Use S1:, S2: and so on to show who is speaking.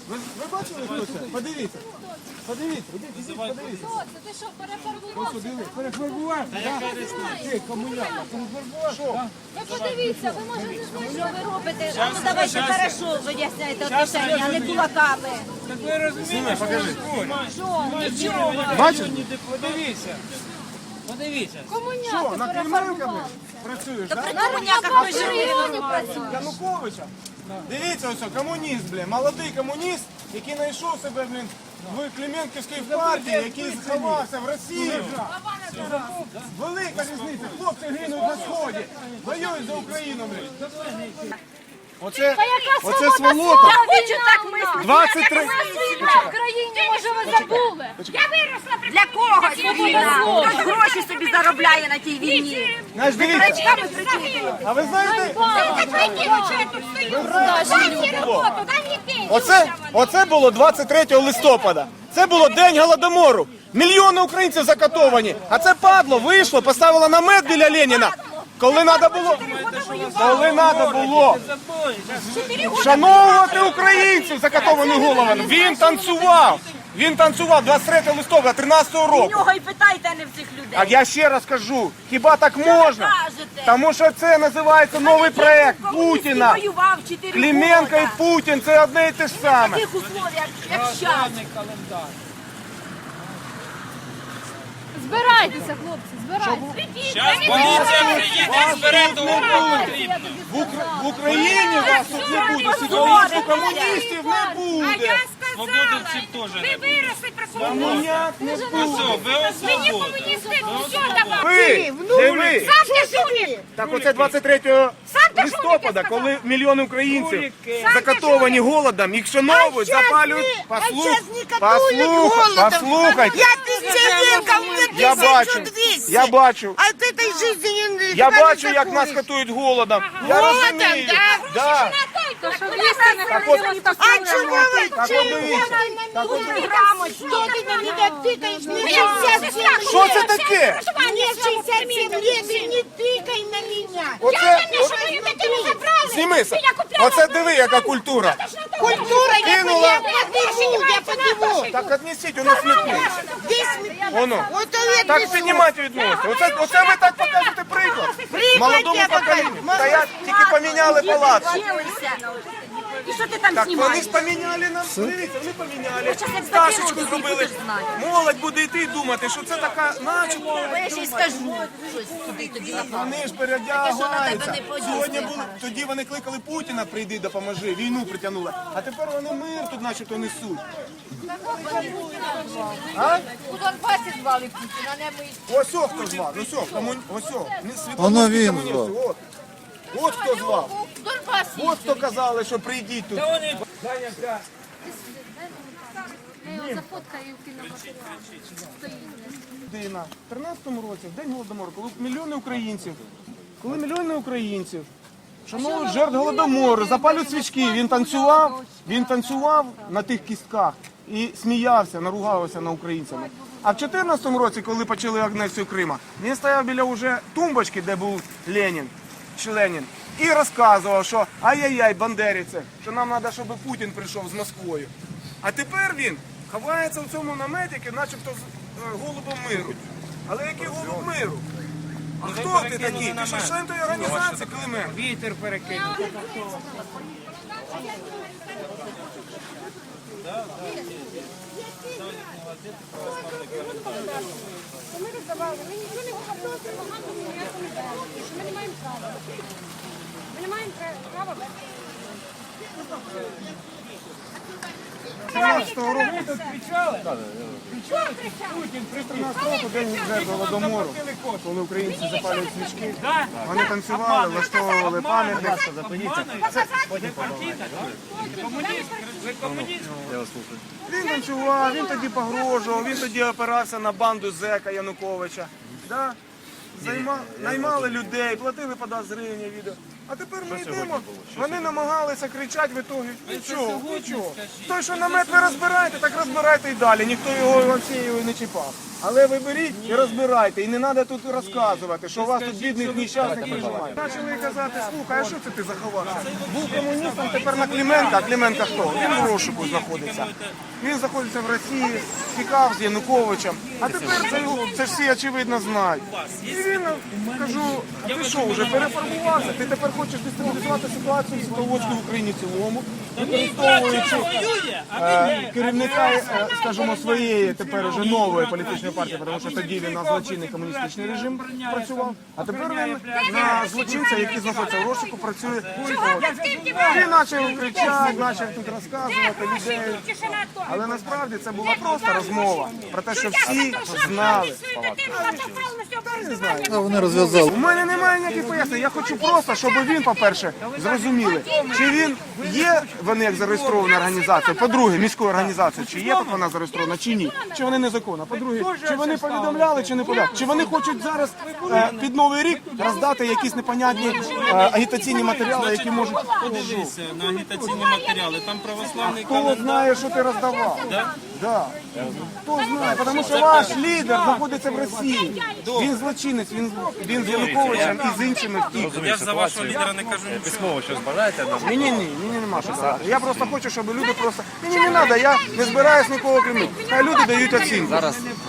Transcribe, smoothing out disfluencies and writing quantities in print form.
S1: Ви бачили, хто це? Подивіться. Подивіться, ідіть, подивіться.
S2: Ти що, перефарбувався?
S1: Перефарбував? Ти, комуняка, перефарбував? Що?
S2: Ви подивіться, ви можете знати, що ви робите.
S3: А ну давайте хорошо виясняйте отношення, а не кулаками.
S4: Так ви розумієте, що ви говорите?
S3: Що? Нічого.
S1: Бачиш?
S4: Подивіться. Подивіться.
S1: Що,
S2: Комуняка
S1: на Кремлівками
S2: перефарбувалися.
S1: працюєш,
S3: Та
S1: так?
S3: при комуняках
S2: На
S3: ми
S2: вашому
S3: жили.
S2: районі працює.
S1: Януковича? Дивіться, ось, комуніст, блін, молодий комуніст, який знайшов себе, блін, в Клименківській партії, який сховався в Росії. Велика різниця, хлопці гинуть на сході, воюють за Україну, блін. Оце сволота.
S3: Я хочу так мислити.
S1: 23...
S2: В країні, може, ви забули.
S3: Для когось війна. Хтось гроші собі заробляє на тій війні.
S1: Знаєш, дивіться,
S3: Рачками прикидують.
S1: а ви знаєте, оце було 23 листопада. Це було День Голодомору. Мільйони українців закатовані. А це падло вийшло, поставило намет біля Леніна. Коли треба було вшановувати українців закатованих головами. Він танцював 23 листопада 13
S3: У
S1: року.
S3: нього і питайте, а не в цих людей.
S1: А я ще раз кажу, хіба так можна?
S3: кажете?
S1: Тому що це називається новий проект Путіна.
S3: Воював 4
S1: Клименко і Путін – це одне і те ж
S3: В
S1: саме.
S3: таких условиях, як зараз.
S4: Календар.
S2: Збирайтеся, хлопці, збирайтеся.
S4: Зараз поліція приїде, збере того потрібно.
S1: В Україні вас тут не буде, сьогодні комуністів не буде.
S4: Свободовців теж не буде.
S1: Комуняк не буде.
S4: Все, ви свободу.
S1: Де ви? Так оце 23 листопада, коли мільйони українців закатовані голодом, їх шановують, запалюють. Послухайте.
S5: Я пенсионерка, у меня
S1: Я бачу,
S5: 1200.
S1: я бачу.
S5: От этой жизни не
S1: Я
S5: никогда
S1: бачу,
S5: не
S1: як нас
S5: такой.
S1: катують голодом. Я розумію. Да. Так от,
S5: А чего вы
S1: так от дивіться. Так от дивіться.
S5: Что ты на меня тыкаешь? Мне 67 лет.
S1: Що це таке?
S5: Мне 67 лет, и не тыкай на меня.
S1: Знімися. Оце диви, яка культура.
S5: Культура, я
S1: Кинула.
S5: подниму, я подниму.
S1: Так віднесіть, у нас смітник.
S5: Здесь
S1: Воно.
S5: вот это
S1: Так піднімайте відносити. Оце ви так покажете приклад. Молодому
S5: я
S1: поколінню.
S5: покажу.
S1: Та я тільки поміняли палац.
S3: Вчилися. І що ти там
S1: Так вони
S3: знімаєш?
S1: ж поміняли нам. Дивіться, вони поміняли.
S3: щас як
S1: Пташечку
S3: статті
S1: зробили.
S3: будеш знати.
S1: Молодь буде йти і думати, що це така начебто.
S3: Бо я ще й скажу щось туди тобі на
S1: Вони ж
S3: Таке, що на
S1: передягаються.
S3: тебе не подійсне,
S1: Сьогодні були,
S3: хорошо.
S1: тоді вони кликали Путіна, прийди, допоможи, війну притягнули. А тепер вони мир тут начебто несуть. А?
S2: У Донбасі звали Путіна, не ми.
S1: Ось о, хто звав, ось о, ось о, не світові комуністи, от. От хто звав.
S2: У Донбасі.
S1: От хто казали, що прийдіть тут.
S4: Та вони
S2: Я його зафоткаю і вкину на стоїть.
S1: Людина в 13-му році, в День Голодомору, коли мільйони українців шанують жертв Голодомору, запалюють свічки, він танцював на тих кістках і сміявся, наругався на українцями. А в 14-му році, коли почали агресію Крима, він стояв біля уже тумбочки, де був Ленін, і розказував, що ай-яй-яй, бандерівці, що нам треба, щоб Путін прийшов з Москвою. А тепер він ховається в цьому наметі, начебто з голубом миру. Але який голуб миру? А хто ти такий? Ти що член тої організації, Клименко?
S4: вітер перекинув.
S2: Ми роздавали, ми нічого не говорили, пропаганду ніяку не дали, що ми не маємо права. Ми не маємо права.
S1: 13-го року,
S4: Тут кричали?
S1: Путін, 13 року, День жертв Голодомору, коли українці запалюють свічки, вони танцювали, влаштовували пам'ятник.
S4: Ви партійна? Комуніст? Ви комуніст?
S1: Він танцював, він тоді погрожував, він тоді опирався на банду зека Януковича. Да? Наймали людей, платили по 20 гривень відео. А тепер ми йдемо, вони намагалися кричати в ітогі. Нічого. Той, що намет ви розбираєте, так розбирайте і далі. Ніхто його взагалі не чіпав. Але ви беріть і розбирайте. І не треба тут розказувати, що у вас тут бідних нещасних прижимають. Почали казати, слухай, а що це ти заховався? Був комуністом, тепер на Клименка. А Клименка хто? Він в розшуку знаходиться. Він знаходиться в Росії, тікав з Януковичем. А тепер це ж всі очевидно знають. І він, кажу, а ти що, вже перефарбувався? Ти тепер хочеш дестабілізувати ситуацію в Світловодську в Україні в цілому, використовуючи керівника, скажімо, своєї тепер уже нової політичної партії, тому що тоді він на злочинний комуністичний режим працював, а тепер він на злочинця, який знаходиться в розшуку, працює. Він почав кричати, почав тут розказувати людей. Але насправді це була просто розмова про те, що всі знали.
S6: Вони розв'язали.
S1: У мене немає ніяких пояснень. Я хочу просто, щоб він, по-перше, зрозуміли, чи він є, вони як зареєстрована організація, по-друге, міською організацією, чи є тут вона зареєстрована, чи ні, чи вони незаконна, по-друге, чи вони повідомляли, чи не повідомляли, чи вони хочуть зараз під Новий рік роздати якісь непонятні агітаційні матеріали, які можуть...
S4: Подивися на агітаційні матеріали, там православний
S1: Хто знає, що ти роздавав? Да. Хто знає, тому що ваш лідер знаходиться в Росії. Він злочинець, він з Януковичем і з іншими втік.
S4: Я ж за вашого лідера не кажу нічого.
S6: Письмово щось бажаєте нам?
S1: Ні, мені нема що сказати. Я просто хочу, щоб люди просто... Мені не треба, я не збираюсь нікого кримити. Хай люди дають оцінку.